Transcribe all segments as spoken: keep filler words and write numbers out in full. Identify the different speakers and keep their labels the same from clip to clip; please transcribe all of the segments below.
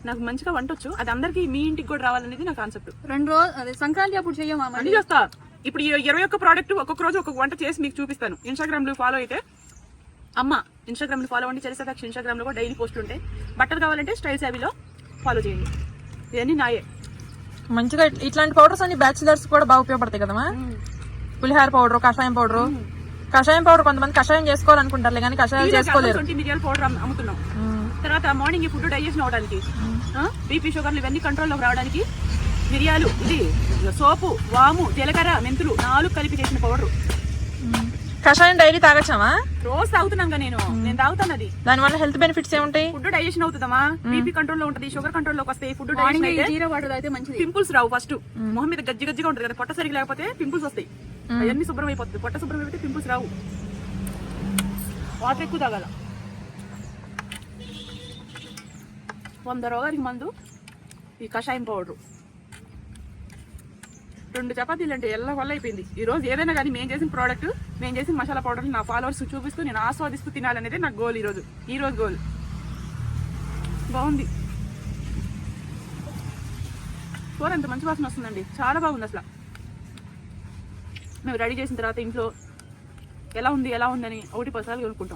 Speaker 1: నాకు మంచిగా వంట వచ్చు, అది అందరికి మీ ఇంటికి కూడా రావాలనేది నా కాన్సెప్ట్.
Speaker 2: రెండు రోజు అదే సంక్రాంతి అప్పుడు చెయ్యమా?
Speaker 1: అన్ని చేస్తా. ఇప్పుడు ఇరవై ఒక్క ప్రోడక్ట్ ఒక్కొక్క రోజు ఒక్కొక్క వంట చేసి మీకు చూపిస్తాను. ఇన్స్టాగ్రామ్ లో ఫాలో అయితే అమ్మ ఇన్స్టాగ్రామ్ లో ఫాలో అవ్వండి, చరిసాక్షి ఇన్స్టాగ్రామ్ లో కూడా డైలీ పోస్టులు ఉంటాయి. బట్టలు కావాలంటే స్టైల్ సాబీలో ఫాలో చేయండి. ఇవన్నీ నాయే.
Speaker 3: మంచిగా ఇట్లాంటి పౌడర్స్ అన్ని బ్యాచిలర్స్ కూడా బాగా ఉపయోగపడతాయి కదమ్మా. పులిహార పౌడర్, కషాయం పౌడర్. కషాయం పౌడర్ కొంతమంది కషాయం చేసుకోవాలనుకుంటారులే కానీ కషాయం చేసుకోలేరు.
Speaker 1: మిరియాల పౌడర్ అమ్ముతున్నాం. తర్వాత మార్నింగ్ ఫుడ్ డైజెషన్ అవడానికి, బీపీ షుగర్లు ఇవన్నీ కంట్రోల్లోకి రావడానికి మిరియాలు, ఇది సోపు, వాము, జీలకర్ర, మెంతులు నాలుగు కలిపి చేసిన పౌడర్.
Speaker 3: కషాయం డైలీ తాగచ్చామా?
Speaker 1: రోజు తాగుతున్నాగా నేను నేను తాగుతాను. అది
Speaker 3: దానివల్ల హెల్త్ బెనిఫిట్స్ ఏముంటాయి?
Speaker 1: ఫుడ్ డైజెషన్ అవుతుందమ్మా, బీపీ కంట్రోల్ లో ఉంటుంది, షుగర్ కంట్రోల్ లోకి వస్తాయి. ఫుడ్ డైజెషన్ అయితే
Speaker 2: జీరా వాటర్ అయితే మంచిది.
Speaker 1: పింపుల్స్ రావు. ఫస్ట్ మొహం మీద గజ్జి గజ్జిగా ఉంటుంది కదా, పొట్ట సరిగ్గా లేకపోతే పింపుల్స్ వస్తాయి. అవన్నీ శుభ్రం అయిపోతుంది. పొట్ట శుభ్రం అయిపోతే పింపుల్స్ రావు. వాటర్ ఎక్కువ తాగాల. వంద రోగానికి మందు ఈ కషాయం పౌడర్. రెండు చపాతీలు అంటే ఎల్ల వల్ల అయిపోయింది. ఈ రోజు ఏదైనా కానీ మేము చేసిన ప్రోడక్ట్, మేము చేసిన మసాలా పౌడర్ నా ఫాలోవర్స్ చూపిస్తూ నేను ఆస్వాదిస్తూ తినాలనేది నాకు గోల్. ఈ రోజు ఈ రోజు గోల్. బాగుంది. కూర ఎంత మంచి వాసన వస్తుందండి, చాలా బాగుంది అసలు. మేము రెడీ చేసిన తర్వాత ఇంట్లో ఎలా ఉంది ఎలా ఉందని ఒకటి పసాలు కొనుక్కుంటాం.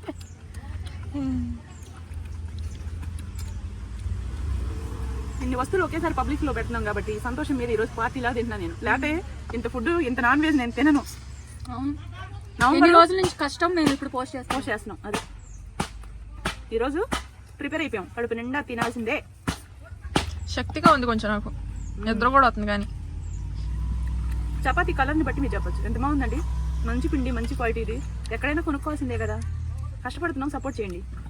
Speaker 1: ఇన్ని వస్తువులు ఒకేసారి పబ్లిక్ లో పెడుతున్నాం కాబట్టి సంతోషం మీద ఈరోజు పార్టీలా తింటున్నా నేను. లేకపోతే ఇంత ఫుడ్ ఇంత నాన్ వెజ్ నేను తినను.
Speaker 2: నవంబర్ రోజుల నుంచి కష్టం మేము ఇప్పుడు పోస్ట్ చేస్తాం
Speaker 1: పోస్ట్ చేస్తున్నాం. అది ఈరోజు ప్రిపేర్ అయిపోయాం. కడుపు నిండా తినాల్సిందే.
Speaker 3: శక్తిగా ఉంది కొంచెం, నాకు నిద్ర కూడా వస్తుంది. కానీ
Speaker 1: చపాతీ కలర్ని బట్టి మీరు చెప్పచ్చు ఎంత బాగుందండి. మంచి పిండి, మంచి క్వాలిటీ. ఇది ఎక్కడైనా కొనుక్కోవాల్సిందే కదా. కష్టపడుతున్నాం, సపోర్ట్ చేయండి.